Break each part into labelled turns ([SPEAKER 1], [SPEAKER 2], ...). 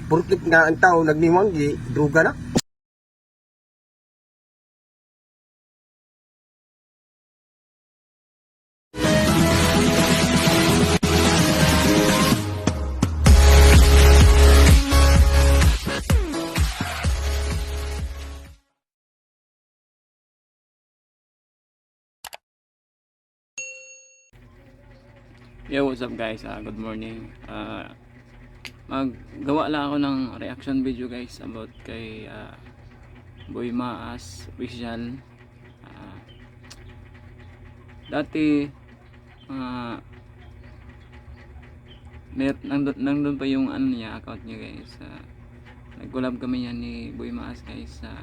[SPEAKER 1] Purkit nga ang tao nagniwang druga na.
[SPEAKER 2] Yo, what's up guys? Good morning. Maggawa lang ako ng reaction video guys about kay Boy Maas official. Dati nandun pa yung ano niya, account niya guys. Nag-collab kami yan ni Boy Maas guys sa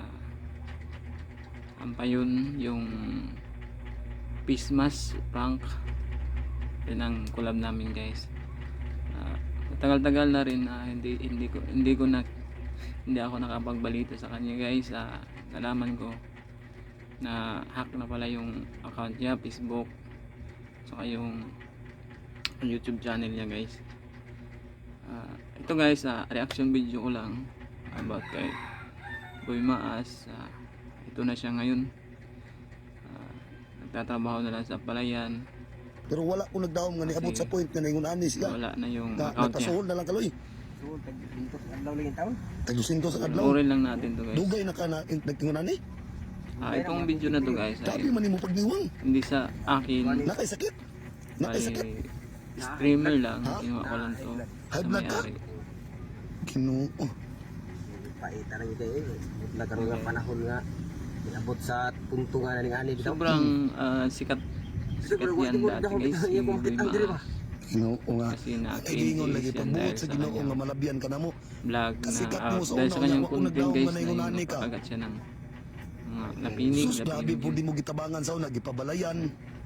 [SPEAKER 2] Ampayon, yung Peace Mass prank. Yan ang collab namin guys. Tagal-tagal na rin hindi ako nakapagbalita sa kanya guys. Nalaman ko na hack na pala yung account niya, Facebook, saka yung YouTube channel niya guys. Ito guys, reaction video ko lang about kay Boy Maas. Ito na siya ngayon. Nagtatrabaho na lang sa palayan.
[SPEAKER 3] Pero wala ko nagdaom nga niabot sa point nga ningon ani siya.
[SPEAKER 2] Wala na yung account niya.
[SPEAKER 3] Napasuhol na lang kaloy.
[SPEAKER 1] So tag-intos ang adlaw lang taon.
[SPEAKER 3] Tag-200 sa adlaw.
[SPEAKER 2] Orin lang natin to guys.
[SPEAKER 3] Dugay na ka na nagtingon ani.
[SPEAKER 2] Itong video na to guys
[SPEAKER 3] Tabi man nimo pagniwang.
[SPEAKER 2] hindi sa akin.
[SPEAKER 3] Nakay sakit. Nakay sakit.
[SPEAKER 2] Streamer lang, kinuha ko lang to
[SPEAKER 3] High
[SPEAKER 2] sa
[SPEAKER 3] blood ka?
[SPEAKER 2] may-ari.
[SPEAKER 3] Ginoo.
[SPEAKER 1] Paita ra gyud kay nagkaroon nga panahon nga niabot sa punto nga ning ani bitaw.
[SPEAKER 2] Sobrang sikat yan dati guys, si Boy Maas.
[SPEAKER 3] Ginoo nga.
[SPEAKER 2] Kasi
[SPEAKER 3] Ingon lagi
[SPEAKER 2] na-case yan
[SPEAKER 3] pagbuot
[SPEAKER 2] dahil
[SPEAKER 3] sa
[SPEAKER 2] sa
[SPEAKER 3] Ginoo
[SPEAKER 2] kanyang
[SPEAKER 3] nga malabyan ka namo.
[SPEAKER 2] vlog
[SPEAKER 3] Kasikat
[SPEAKER 2] na
[SPEAKER 3] mo sa
[SPEAKER 2] dahil sa
[SPEAKER 3] una,
[SPEAKER 2] kanyang
[SPEAKER 3] wala ko
[SPEAKER 2] content
[SPEAKER 3] nagdaong
[SPEAKER 2] guys
[SPEAKER 3] nga
[SPEAKER 2] na
[SPEAKER 3] na
[SPEAKER 2] yung
[SPEAKER 3] ingon, ka.
[SPEAKER 2] nakagat siya ng mga napinig.
[SPEAKER 3] Sus grabe po di mo gitabangan sa una gipabalayan.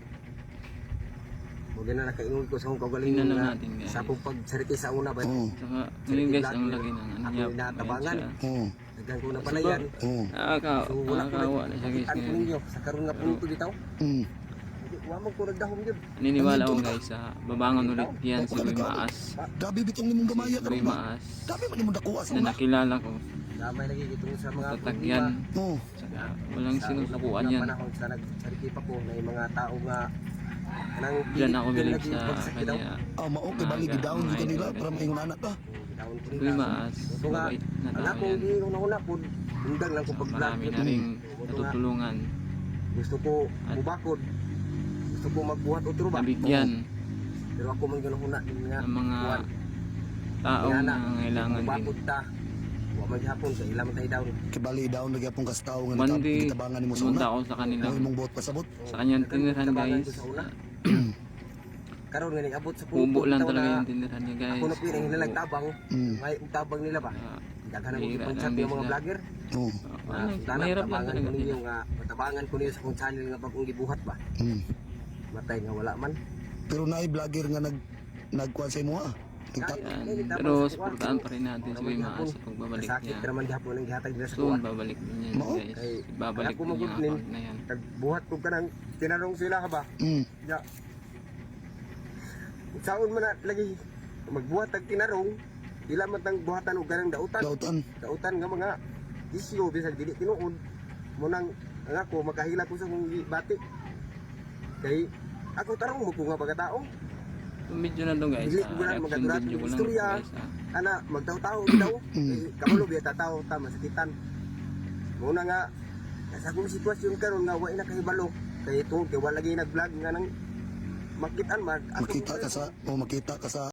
[SPEAKER 1] Muli na nakaingon ko sa akong
[SPEAKER 2] Tingnan
[SPEAKER 1] kaugalingon
[SPEAKER 2] lang
[SPEAKER 1] nga
[SPEAKER 2] natin guys.
[SPEAKER 1] sa akong pagsariti sa una ba.
[SPEAKER 3] Oo.
[SPEAKER 2] Saka ngayon guys, ang laki ng ano niya.
[SPEAKER 1] Ako inatabangan.
[SPEAKER 2] Ayan siya.
[SPEAKER 3] Oo.
[SPEAKER 1] Daghan ko na pala yan.
[SPEAKER 3] Oo.
[SPEAKER 1] So wala ko
[SPEAKER 2] Nakakawa na siya guys
[SPEAKER 1] Ang
[SPEAKER 2] ngayon.
[SPEAKER 1] ninyo sa karon nga punto bitaw.
[SPEAKER 3] Mm.
[SPEAKER 1] Wa mo ko nagdahom gyud.
[SPEAKER 2] Naniniwala ko guys, babangon ulit yan si Boy Maas.
[SPEAKER 3] Grabe bitong nimong gamaya
[SPEAKER 2] Si
[SPEAKER 3] ka
[SPEAKER 2] Boy
[SPEAKER 3] ba?
[SPEAKER 2] Maas
[SPEAKER 3] Grabe man nimong dakuha sa
[SPEAKER 2] na
[SPEAKER 3] una.
[SPEAKER 2] nakilala ko.
[SPEAKER 1] Damay lagi gitong sa mga
[SPEAKER 2] Tatagyan.
[SPEAKER 3] Oo.
[SPEAKER 2] Saka walang sinusukuan
[SPEAKER 1] Sa
[SPEAKER 2] yan.
[SPEAKER 1] panahon sa nagsariti pa ko na yung mga tao nga nang
[SPEAKER 2] Diyan ako bilig
[SPEAKER 1] lagi
[SPEAKER 2] sa
[SPEAKER 1] pagsakit daw.
[SPEAKER 2] kanya.
[SPEAKER 3] Mao kay bali gidawn gyud kanila para maingon anak ka.
[SPEAKER 1] Gidawon ko
[SPEAKER 2] Boy
[SPEAKER 1] nila.
[SPEAKER 2] Maas,
[SPEAKER 1] Ito nga,
[SPEAKER 2] mabait na
[SPEAKER 1] anak
[SPEAKER 2] tao
[SPEAKER 1] ko,
[SPEAKER 2] yan.
[SPEAKER 1] una po, undang lang ko
[SPEAKER 2] So,
[SPEAKER 1] pag-vlog.
[SPEAKER 2] marami na rin natutulungan.
[SPEAKER 1] Gusto ko bubakod. Gusto ko magbuhat otro ba?
[SPEAKER 2] Nabigyan
[SPEAKER 1] Pero ako man gano'n huna din nga.
[SPEAKER 2] ng mga
[SPEAKER 1] buhat.
[SPEAKER 2] taong
[SPEAKER 1] Kaya na,
[SPEAKER 2] nangangailangan din.
[SPEAKER 1] Bubakod ta. Wa man hapon sa ilang tayo daw.
[SPEAKER 3] Kay bali dawn lagi apong kastaw nga
[SPEAKER 2] One day,
[SPEAKER 3] gitabangan nimo sa
[SPEAKER 2] pumunta
[SPEAKER 3] una.
[SPEAKER 2] ako sa kanila.
[SPEAKER 3] Ang imong buot pasabot.
[SPEAKER 2] Sa kanyang tinirhan guys.
[SPEAKER 1] Karon nga abot sa
[SPEAKER 2] Kubo lang
[SPEAKER 1] bitaw
[SPEAKER 2] talaga
[SPEAKER 1] na
[SPEAKER 2] yung tinirhan niya guys.
[SPEAKER 1] Ako na pinang hinalang tabang.
[SPEAKER 3] Mm.
[SPEAKER 1] May tabang nila ba? Daghan ang
[SPEAKER 2] Mahirap
[SPEAKER 1] ipag-chat
[SPEAKER 2] lang
[SPEAKER 1] yung mga
[SPEAKER 2] sila.
[SPEAKER 1] vlogger.
[SPEAKER 3] Oo.
[SPEAKER 2] Mahirap lang
[SPEAKER 1] Tabangan
[SPEAKER 2] talaga
[SPEAKER 1] ko ninyo
[SPEAKER 2] sila.
[SPEAKER 1] nga matabangan ko niyo sa kong channel nga bagong gibuhat ba.
[SPEAKER 3] Mm.
[SPEAKER 1] Matay nga wala man.
[SPEAKER 3] Pero naay vlogger nga nagkuan sa imo ah.
[SPEAKER 2] Yan. Pero supportahan pa rin natin si Boy Maas sa pagbabalik
[SPEAKER 1] Sakit
[SPEAKER 2] niya.
[SPEAKER 1] naman gihapon ang gihatag nila sa
[SPEAKER 2] Soon
[SPEAKER 1] kuwan.
[SPEAKER 2] babalik din yan
[SPEAKER 3] Oo.
[SPEAKER 2] guys.
[SPEAKER 1] Kay
[SPEAKER 2] Babalik
[SPEAKER 1] ako
[SPEAKER 2] din yung
[SPEAKER 1] magudlin.
[SPEAKER 2] account na yan.
[SPEAKER 1] Tagbuhat ko kanang tinanong sila ka ba?
[SPEAKER 3] Mm.
[SPEAKER 1] Ya. Saon man na lagi magbuhat tag tinarong ila man tang buhatan og ganang dautan.
[SPEAKER 3] Dautan.
[SPEAKER 1] Dautan nga mga isyo bisag dili tinuod mo nang ang ako makahila ko sa kong bati. Kay ako tarong mo ko nga pagkatao.
[SPEAKER 2] Yung video na to guys,
[SPEAKER 1] Dili ko na
[SPEAKER 2] reaction
[SPEAKER 1] magaturat
[SPEAKER 2] video
[SPEAKER 1] ng
[SPEAKER 2] ko lang
[SPEAKER 1] istorya.
[SPEAKER 2] guys.
[SPEAKER 1] Ana magtaw-taw daw. Kamalo biya tataw ta masakitan. Muna nga sa akong sitwasyon karon nga wa na kahibalo kay tungod kay wala lagi nag-vlog nga nang makitaan man.
[SPEAKER 3] Makita ka sa